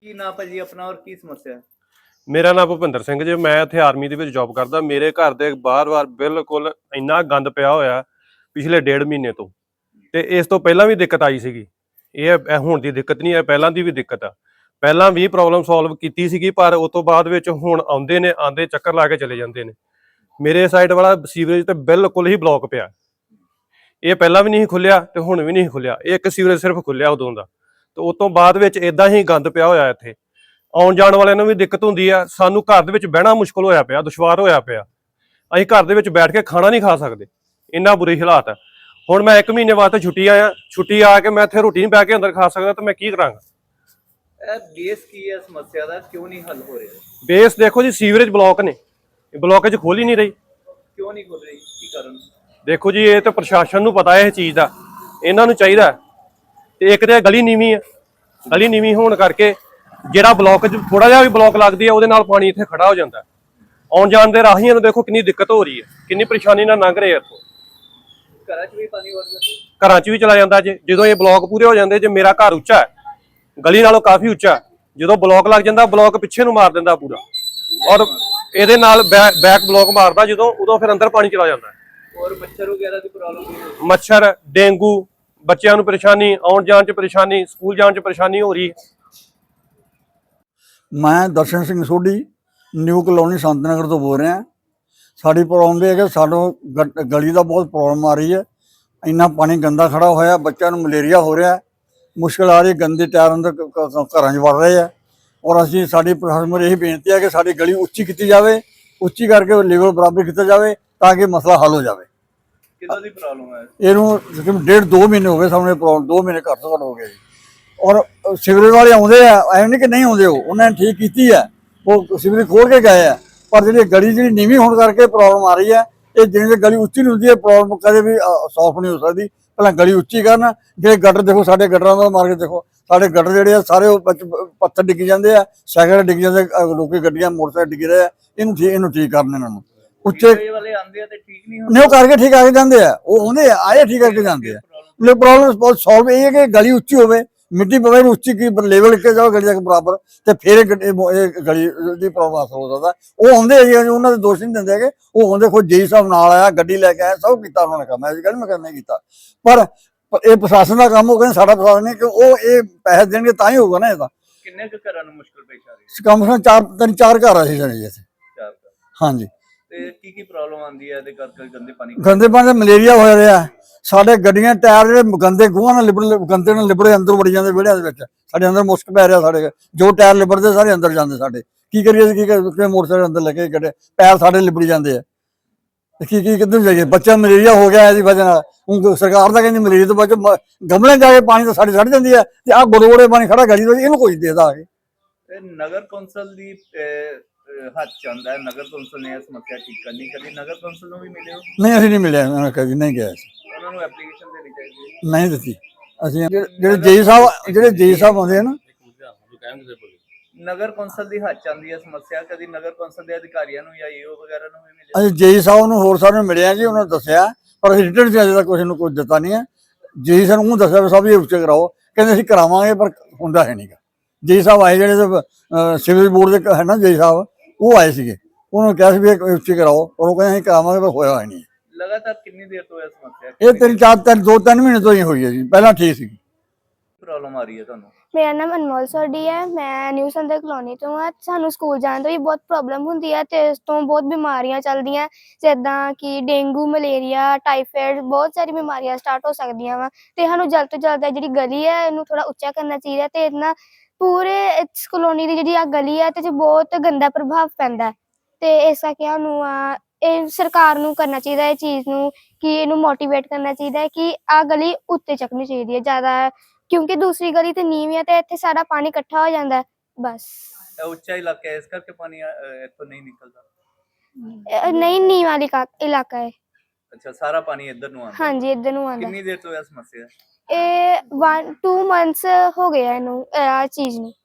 ਕੀ ਨਾਂ ਭਾਜੀ ਆਪਣਾ ਔਰ ਕੀ ਸਮੱਸਿਆ ਹੈ? ਮੇਰਾ ਨਾਮ ਭੁਪਿੰਦਰ ਸਿੰਘ ਜੀ। ਮੈਂ ਇੱਥੇ ਆਰਮੀ ਦੇ ਵਿੱਚ ਜੌਬ ਕਰਦਾ। ਮੇਰੇ ਘਰ ਦੇ ਬਾਰ-ਬਾਰ ਬਿਲਕੁਲ ਇੰਨਾ ਗੰਦ ਪਿਆ ਹੋਇਆ ਪਿਛਲੇ 1.5 ਮਹੀਨੇ ਤੋਂ, ਤੇ ਇਸ ਤੋਂ ਪਹਿਲਾਂ ਵੀ ਦਿੱਕਤ ਆਈ ਸੀਗੀ। ਇਹ ਹੁਣ ਦੀ ਦਿੱਕਤ ਨਹੀਂ ਹੈ, ਪਹਿਲਾਂ ਦੀ ਵੀ ਦਿੱਕਤ ਆ। ਪਹਿਲਾਂ ਵੀ ਪ੍ਰੋਬਲਮ ਸੋਲਵ ਕੀਤੀ ਸੀਗੀ, ਪਰ ਉਸ ਤੋਂ ਬਾਅਦ ਵਿੱਚ ਹੁਣ ਆਉਂਦੇ ਚੱਕਰ ਲਾ ਕੇ ਚਲੇ ਜਾਂਦੇ ਨੇ। ਮੇਰੇ ਸਾਈਡ ਵਾਲਾ ਸੀਵਰੇਜ ਤੇ ਬਿਲਕੁਲ ਹੀ ਬਲੌਕ ਪਿਆ। ਇਹ ਪਹਿਲਾਂ ਵੀ ਨਹੀਂ ਖੁੱਲਿਆ ਤੇ ਹੁਣ ਵੀ ਨਹੀਂ ਖੁੱਲਿਆ। ਇਹ ਇੱਕ ਸੀਵਰੇਜ ਸਿਰਫ ਖੁੱਲਿਆ ਉਦੋਂ ਦਾ, ਤੇ ਉਸ ਤੋਂ ਬਾਅਦ ਵਿੱਚ ਇਦਾਂ ਹੀ ਗੰਦ ਪਿਆ ਹੋਇਆ ਇੱਥੇ। ਆਉਣ ਜਾਣ ਵਾਲਿਆਂ ਨੂੰ ਵੀ ਦਿੱਕਤ ਹੁੰਦੀ ਆ। ਸਾਨੂੰ ਘਰ ਦੇ ਵਿੱਚ ਬਹਿਣਾ ਮੁਸ਼ਕਲ ਹੋਇਆ ਪਿਆ, ਦੁਸ਼ਵਾਰ ਹੋਇਆ ਪਿਆ। ਅਸੀਂ ਘਰ ਦੇ ਵਿੱਚ ਬੈਠ ਕੇ ਖਾਣਾ ਨਹੀਂ ਖਾ ਸਕਦੇ, ਇੰਨਾ ਬੁਰੇ ਹਾਲਾਤ ਆ। ਹੁਣ ਮੈਂ 1 ਮਹੀਨੇ ਵਾਸਤੇ ਛੁੱਟੀ ਆ ਕੇ ਮੈਂ ਇੱਥੇ ਰੋਟੀ ਨਹੀਂ ਬਹਿ ਕੇ ਅੰਦਰ ਖਾ ਸਕਦਾ, ਤੇ ਮੈਂ ਕੀ ਕਰਾਂਗਾ? ਇਹ ਬੇਸ ਕੀ ਹੈ ਸਮੱਸਿਆ ਦਾ, ਕਿਉਂ ਨਹੀਂ ਹੱਲ ਹੋ ਰਿਹਾ? ਬੇਸ ਦੇਖੋ ਜੀ, ਸੀਵਰੇਜ ਬਲੌਕ ਨੇ। ਇਹ ਬਲੌਕੇਜ ਖੋਲ ਹੀ ਨਹੀਂ ਰਹੀ। ਕਿਉਂ ਨਹੀਂ ਖੁੱਲ ਰਹੀ, ਕੀ ਕਾਰਨ? ਦੇਖੋ ਜੀ, ਇਹ ਤਾਂ ਪ੍ਰਸ਼ਾਸਨ ਨੂੰ ਪਤਾ ਹੈ ਇਹ ਚੀਜ਼ ਦਾ। ਇਹਨਾਂ ਨੂੰ ਚਾਹੀਦਾ। ਤੇ ਇੱਕ ਤੇ ਗਲੀ ਨੀਵੀਂ ਆ, ਗਲੀ ਨੀਵੀਂ ਹੋਣ ਕਰਕੇ ਜਿਹੜਾ ਬਲੌਕ ਥੋੜਾ ਜਿਹਾ ਵੀ ਬਲੌਕ ਲੱਗਦੀ ਹੈ ਉਹਦੇ ਨਾਲ ਪਾਣੀ ਇੱਥੇ ਖੜਾ ਹੋ ਜਾਂਦਾ। ਆਉਣ ਜਾਣ ਦੇ ਰਾਹੀਆਂ ਨੂੰ ਦੇਖੋ ਕਿੰਨੀ ਦਿੱਕਤ ਹੋ ਰਹੀ ਹੈ, ਕਿੰਨੀ ਪਰੇਸ਼ਾਨੀ ਨਾਲ ਲੰਘ ਰਹੇ ਆ ਇੱਥੋਂ। ਘਰਾਂ 'ਚ ਵੀ ਪਾਣੀ ਵੜਦਾ? ਘਰਾਂ 'ਚ ਵੀ ਚਲਾ ਜਾਂਦਾ ਜੇ। ਜਦੋਂ ਇਹ ਬਲੌਕ ਪੂਰੇ ਹੋ ਜਾਂਦੇ, ਜੇ ਮੇਰਾ ਘਰ ਉੱਚਾ ਹੈ, ਗਲੀ ਨਾਲੋਂ ਕਾਫੀ ਉੱਚਾ, ਜਦੋਂ ਬਲੌਕ ਲੱਗ ਜਾਂਦਾ ਬਲੌਕ ਪਿੱਛੇ ਨੂੰ ਮਾਰ ਦਿੰਦਾ ਪੂਰਾ, ਔਰ ਇਹਦੇ ਨਾਲ ਬੈਕ ਬਲੌਕ ਮਾਰਦਾ ਜਦੋਂ, ਉਦੋਂ ਫਿਰ ਅੰਦਰ ਪਾਣੀ ਚਲਾ ਜਾਂਦਾ। ਔਰ ਮੱਛਰ ਵਗੈਰਾ ਦੀ ਪ੍ਰੋਬਲਮ? ਮੱਛਰ, ਡੇਂਗੂ, ਬੱਚਿਆਂ ਨੂੰ ਪਰੇਸ਼ਾਨੀ, ਆਉਣ ਜਾਣ 'ਚ ਪਰੇਸ਼ਾਨੀ, ਸਕੂਲ ਜਾਣ 'ਚ ਪਰੇਸ਼ਾਨੀ ਹੋ ਰਹੀ ਹੈ। ਮੈਂ ਦਰਸ਼ਨ ਸਿੰਘ ਸੋਢੀ ਨਿਊ ਕਲੋਨੀ ਸੰਤ ਨਗਰ ਤੋਂ ਬੋਲ ਰਿਹਾ। ਸਾਡੀ ਪ੍ਰੋਬਲਮ ਇਹ ਹੈ ਕਿ ਸਾਨੂੰ ਗਲੀ ਦਾ ਬਹੁਤ ਪ੍ਰੋਬਲਮ ਆ ਰਹੀ ਹੈ। ਇੰਨਾ ਪਾਣੀ ਗੰਦਾ ਖੜਾ ਹੋਇਆ, ਬੱਚਿਆਂ ਨੂੰ ਮਲੇਰੀਆ ਹੋ ਰਿਹਾ, ਮੁਸ਼ਕਿਲ ਆ ਰਹੀ। ਗੰਦੇ ਟਾਇਰ ਅੰਦਰ ਘਰਾਂ 'ਚ ਵੜ ਰਹੇ ਆ। ਔਰ ਅਸੀਂ ਸਾਡੀ ਪ੍ਰਸ਼ਾਸਨ ਨੂੰ ਇਹ ਬੇਨਤੀ ਹੈ ਕਿ ਸਾਡੀ ਗਲੀ ਉੱਚੀ ਕੀਤੀ ਜਾਵੇ, ਉੱਚੀ ਕਰਕੇ ਲੈਵਲ ਬਰਾਬਰ ਕੀਤਾ ਜਾਵੇ ਤਾਂ ਕਿ ਮਸਲਾ ਹੱਲ ਹੋ ਜਾਵੇ। ਕਿਹਦਾ ਦੀ ਪ੍ਰੋਬਲਮ ਹੈ? ਇਹਨੂੰ ਤਕਰੀਬਨ 1.5-2 ਮਹੀਨੇ ਹੋ ਗਏ ਸਾਹਮਣੇ ਪ੍ਰੋਬਲਮ, 2 ਮਹੀਨੇ ਘੱਟ ਤੋਂ ਘੱਟ ਹੋ ਗਏ ਜੀ। ਔਰ ਸਿਵਰੇਜ ਵਾਲੇ ਆਉਂਦੇ ਆ, ਐਵੇਂ ਨਹੀਂ ਕਿ ਨਹੀਂ ਆਉਂਦੇ, ਉਹਨਾਂ ਨੇ ਠੀਕ ਕੀਤੀ ਹੈ, ਉਹ ਸਿਵਰੇਜ ਖੋਲ ਕੇ ਗਏ ਆ। ਪਰ ਜਿਹੜੀ ਗਲੀ ਨੀਵੀਂ ਹੋਣ ਕਰਕੇ ਪ੍ਰੋਬਲਮ ਆ ਰਹੀ ਹੈ। ਇਹ ਜਿਵੇਂ ਗਲੀ ਉੱਚੀ ਨਹੀਂ ਹੁੰਦੀ ਹੈ, ਪ੍ਰੋਬਲਮ ਕਦੇ ਵੀ ਸੌਲਵ ਨਹੀਂ ਹੋ ਸਕਦੀ। ਪਹਿਲਾਂ ਗਲੀ ਉੱਚੀ ਕਰਨ। ਜਿਹੜੇ ਗਟਰ ਦੇਖੋ, ਸਾਡੇ ਗਟਰਾਂ ਦਾ ਮਾਰ ਕੇ ਦੇਖੋ, ਸਾਡੇ ਗਟਰ ਜਿਹੜੇ ਆ ਸਾਰੇ ਪੱਥਰ ਡਿੱਗੀ ਜਾਂਦੇ ਆ, ਸਾਈਕਲ ਡਿੱਗ ਜਾਂਦੇ, ਲੋਕੀ ਗੱਡੀਆਂ ਮੋਟਰਸਾਈਕਲ ਡਿੱਗ ਰਹੇ ਆ। ਇਹਨੂੰ ਠੀਕ ਕਰਨ ਇਹਨਾਂ ਨੂੰ। ਉੱਚੇ ਵਾਲੇ ਆਉਂਦੇ ਆ ਤੇ ਠੀਕ ਨਹੀਂ ਉਹ ਕਰਕੇ ਠੀਕ ਆ ਕੇ ਜਾਂਦੇ ਆ, ਉਹ ਆਉਂਦੇ ਆਏ ਠੀਕ ਕਰਕੇ ਜਾਂਦੇ ਆ। ਪ੍ਰੋਬਲਮ ਬਹੁਤ ਸੋਲਵ ਇਹ ਹੈ ਕਿ ਗਲੀ ਉੱਚੀ ਹੋਵੇ, ਮਿੱਟੀ ਪਵੇ ਨੂੰ ਉੱਚੀ ਕੀ ਲੈਵਲ ਕੇ ਜਾਓ ਗਲੀ ਤੱਕ ਬਰਾਬਰ, ਤੇ ਫਿਰ ਇਹ ਗਲੀ ਦੀ ਪ੍ਰੋਬਲਮ ਹੱਲ ਹੋ ਸਕਦਾ। ਉਹ ਆਉਂਦੇ ਆ ਜੀ, ਉਹਨਾਂ ਦੇ ਦੋਸ਼ ਨਹੀਂ ਦਿੰਦੇ ਹੈਗੇ। ਉਹ ਆਉਂਦੇ ਖੁਦ ਜੀ ਸਾਹਿਬ ਨਾਲ ਆਇਆ, ਗੱਡੀ ਲੈ ਕੇ ਆਇਆ, ਸਭ ਕੀਤਾ ਉਹਨਾਂ ਨੇ ਕੰਮ। ਐਸੀ ਗੱਲ ਮੈਂ ਕਰਨਾ ਕੀਤਾ, ਪਰ ਇਹ ਪ੍ਰਸ਼ਾਸਨ ਦਾ ਕੰਮ ਹੋ ਗਿਆ, ਸਾਡਾ ਪ੍ਰਸ਼ਾਸਨ ਨਹੀਂ। ਕਿ ਉਹ ਇਹ ਪੈਸੇ ਦੇਣਗੇ ਤਾਂ ਹੀ ਹੋਊਗਾ ਨਾ। ਇਹਦਾ ਕਿੰਨੇ ਕੁ ਘਰਾਂ ਨੂੰ ਮੁਸ਼ਕਲ ਪੇਸ਼ ਆ ਰਹੀ ਹੈ? ਕਮ ਸੇ ਕਮ 4 ਘਰ ਆ ਸੀ ਸਾਡੇ ਇੱਥੇ। 4 ਹਾਂਜੀ। ਤੇ ਕੀ ਪ੍ਰੋਬਲਮ ਆਉਂਦੀ ਹੈ ਇਹਦੇ ਕਰਕੇ? ਗੰਦੇ ਪਾਣੀ ਦਾ ਮਲੇਰੀਆ ਹੋ ਰਿਹਾ। ਸਾਡੇ ਗੱਡੀਆਂ ਟਾਇਰ ਜਿਹੜੇ ਗੰਦੇ ਗੂਹਾਂ ਨਾਲ ਗੰਦੇ ਨਾਲ ਲਿਬੜੇ ਅੰਦਰ ਵੜੀ ਜਾਂਦੇ ਵਿਹੜਿਆਂ ਦੇ ਵਿੱਚ। ਸਾਡੇ ਅੰਦਰ ਮੁਸ਼ਕ ਪੈ ਰਿਹਾ। ਸਾਡੇ ਜੋ ਟਾਇਰ ਲਿਬੜਦੇ ਸਾਰੇ ਅੰਦਰ ਜਾਂਦੇ ਸਾਡੇ। ਕੀ ਕਰੀਏ? ਕੀ ਮੋਟਰਸਾਈਕਲ ਅੰਦਰ ਲੱਗੇ ਗੱਡੇ, ਪੈਰ ਸਾਡੇ ਲਿਬੜੀ ਜਾਂਦੇ ਆ। ਕੀ ਕਿੱਧਰ ਜਾਈਏ? ਬੱਚਾ ਮਲੇਰੀਆ ਹੋ ਗਿਆ ਇਹਦੀ ਵਜ੍ਹਾ ਨਾਲ। ਹੁਣ ਸਰਕਾਰ ਤਾਂ ਕਹਿੰਦੀ ਮਲੇਰੀਆ ਤੋਂ ਬਚੋ, ਗਮਲੇ ਜਾ ਕੇ ਪਾਣੀ ਤਾਂ ਸਾਡੀ ਸੜ ਜਾਂਦੀ ਹੈ, ਤੇ ਆਹ ਗੋੜੇ ਪਾਣੀ ਖੜਾ ਗਲੀ ਦੇ, ਇਹਨੂੰ ਕੋਈ ਦੇਦਾ ਆ ਕੇ। ਨਗਰ ਕੌਂਸਲ ਦੀ ਹੱਥ ਚਾਹੁੰਦਾ ਹੈ, ਨਗਰ ਕੌਂਸਲ ਨੇ ਇਹ ਸਮੱਸਿਆ ਠੀਕ ਕਰਨੀ। ਕਦੀ ਨਗਰ ਕੌਂਸਲ ਨੂੰ ਵੀ ਮਿਲੇ ਹੋ? ਨਹੀਂ, ਅਸੀਂ ਨਹੀਂ ਮਿਲਿਆ, ਕਦੀ ਨਹੀਂ ਗਿਆ। ਉਹਨਾਂ ਨੂੰ ਐਪਲੀਕੇਸ਼ਨ ਦੇਣੀ ਚਾਹੀਦੀ ਹੈ। ਨਹੀਂ ਦਿੱਤੀ। ਅਸੀਂ ਜਿਹੜੇ ਜੀ ਸਾਹਿਬ ਆਉਂਦੇ ਆ ਨਾ, ਨਗਰ ਕੌਂਸਲ ਦੀ ਹੱਥ ਚਾਹੁੰਦੀ ਹੈ ਸਮੱਸਿਆ। ਕਦੀ ਨਗਰ ਕੌਂਸਲ ਦੇ ਅਧਿਕਾਰੀਆਂ ਨੂੰ ਜਾਂ ਈਓ ਵਗੈਰਾ ਨੂੰ ਵੀ ਮਿਲੇ? ਅਸੀਂ ਜੀ ਸਾਹਿਬ ਨੂੰ ਹੋਰ ਸਾਰਿਆਂ ਨੂੰ ਮਿਲਿਆ ਜੀ, ਉਹਨਾਂ ਨੇ ਦੱਸਿਆ, ਪਰ ਅਸੀਂ ਰਿਟਰਨ 'ਚ ਅਜੇ ਤੱਕ ਕਿਸੇ ਨੂੰ ਕੁਝ ਦਿੱਤਾ ਨਹੀਂ ਹੈ। ਜੀ ਸਾਹਿਬ ਨੂੰ ਦੱਸਿਆ ਵੀ ਸਭ ਇਹ ਉੱਚੇ ਕਰਾਓ, ਕਹਿੰਦੇ ਅਸੀਂ ਕਰਾਵਾਂਗੇ, ਪਰ ਹੁੰਦਾ ਹੈ ਨਹੀਂਗਾ। ਜੀ ਸਾਹਿਬ ਆਏ, ਜਿਹੜੇ ਸਿਵਲ ਬੋਰਡ ਦੇ ਹੈ ਨਾ ਜੀ ਸਾਹਿਬ, ਉਹ ਆਏ ਸੀਗੇ, ਉਹਨਾਂ ਨੂੰ ਕਿਹਾ ਸੀ ਵੀ ਇਹ ਉੱਚੇ ਕਰਾਓ, ਪਰ ਉਹ ਕਹਿੰਦੇ ਅਸੀਂ ਕਰਾਵਾਂਗੇ, ਪਰ ਹੋਇਆ ਨਹੀਂ। ਲਗਾਤਾਰ ਕਿੰਨੀ ਦੇਰ ਤੋਂ ਇਹ ਸਮੱਸਿਆ? ਇਹ 2-3 ਮਹੀਨੇ ਤੋਂ ਹੀ ਹੋਈ ਹੈ ਜੀ। ਪਹਿਲਾਂ ਠੀਕ ਸੀ। ਪ੍ਰੋਬਲਮ ਆ ਰਹੀ ਹੈ ਤੁਹਾਨੂੰ? ਮੇਰਾ ਨਾਮ ਅਨਮੋਲ ਸੋਢੀ ਹੈ। ਮੈਂ ਨਿਊ ਸੰਦਰ ਕਲੋਨੀ ਤੋਂ ਹਾਂ। ਸਾਨੂੰ ਸਕੂਲ ਜਾਣ ਤੋਂ ਵੀ ਬਹੁਤ ਪ੍ਰੋਬਲਮ ਹੁੰਦੀ ਹੈ, ਅਤੇ ਇਸ ਤੋਂ ਬਹੁਤ ਬਿਮਾਰੀਆਂ ਚੱਲਦੀਆਂ, ਜਿੱਦਾਂ ਕਿ ਡੇਂਗੂ, ਮਲੇਰੀਆ, ਟਾਈਫਾਇਡ, ਬਹੁਤ ਸਾਰੀ ਬਿਮਾਰੀਆਂ ਸਟਾਰਟ ਹੋ ਸਕਦੀਆਂ ਵਾ। ਅਤੇ ਸਾਨੂੰ ਜਲਦ ਤੋਂ ਜਲਦ ਜਿਹੜੀ ਗਲੀ ਹੈ ਇਹਨੂੰ ਥੋੜ੍ਹਾ ਉੱਚਾ ਕਰਨਾ ਚਾਹੀਦਾ, ਅਤੇ ਇਹਦੇ ਨਾਲ ਪੂਰੇ ਇਸ ਕਲੋਨੀ ਦੀ ਜਿਹੜੀ ਆ ਗਲੀ ਹੈ ਇਹਦੇ 'ਚ ਬਹੁਤ ਗੰਦਾ ਪ੍ਰਭਾਵ ਪੈਂਦਾ। ਅਤੇ ਇਸ ਕਰਕੇ ਸਾਨੂੰ ਇਹ ਸਰਕਾਰ ਨੂੰ ਕਰਨਾ ਚਾਹੀਦਾ ਇਹ ਚੀਜ਼ ਨੂੰ, ਕਿ ਇਹਨੂੰ ਮੋਟੀਵੇਟ ਕਰਨਾ ਚਾਹੀਦਾ ਹੈ ਕਿ ਆਹ ਗਲੀ ਉੱਤੇ ਚੱਕਣੀ ਚਾਹੀਦੀ ਹੈ ਜ਼ਿਆਦਾ, ਕਿਉਂਕਿ ਦੂਸਰੀ ਗਲੀ ਤੇ ਨੀਵੀਂ ਹੈ, ਤੇ ਇੱਥੇ ਸਾਰਾ ਪਾਣੀ ਇਕੱਠਾ ਹੋ ਜਾਂਦਾ। ਬਸ ਉੱਚਾ ਇਲਾਕਾ ਹੈ, ਇਸ ਕਰਕੇ ਪਾਣੀ ਇੱਥੋਂ ਨਹੀਂ ਨਿਕਲਦਾ? ਨਹੀਂ, ਨੀਵਾਂ ਇਲਾਕਾ ਹੈ। ਅੱਛਾ, ਸਾਰਾ ਪਾਣੀ ਇੱਧਰ ਨੂੰ ਆਉਂਦਾ? ਹਾਂਜੀ, ਇੱਧਰ ਨੂੰ ਆਉਂਦਾ। ਕਿੰਨੀ ਦੇਰ ਤੋਂ ਇਹ ਸਮੱਸਿਆ? ਇਹ 1-2 ਮੰਥਸ ਹੋ ਗਏ ਇਹਨੂੰ, ਇਹ ਚੀਜ਼ ਨੂੰ।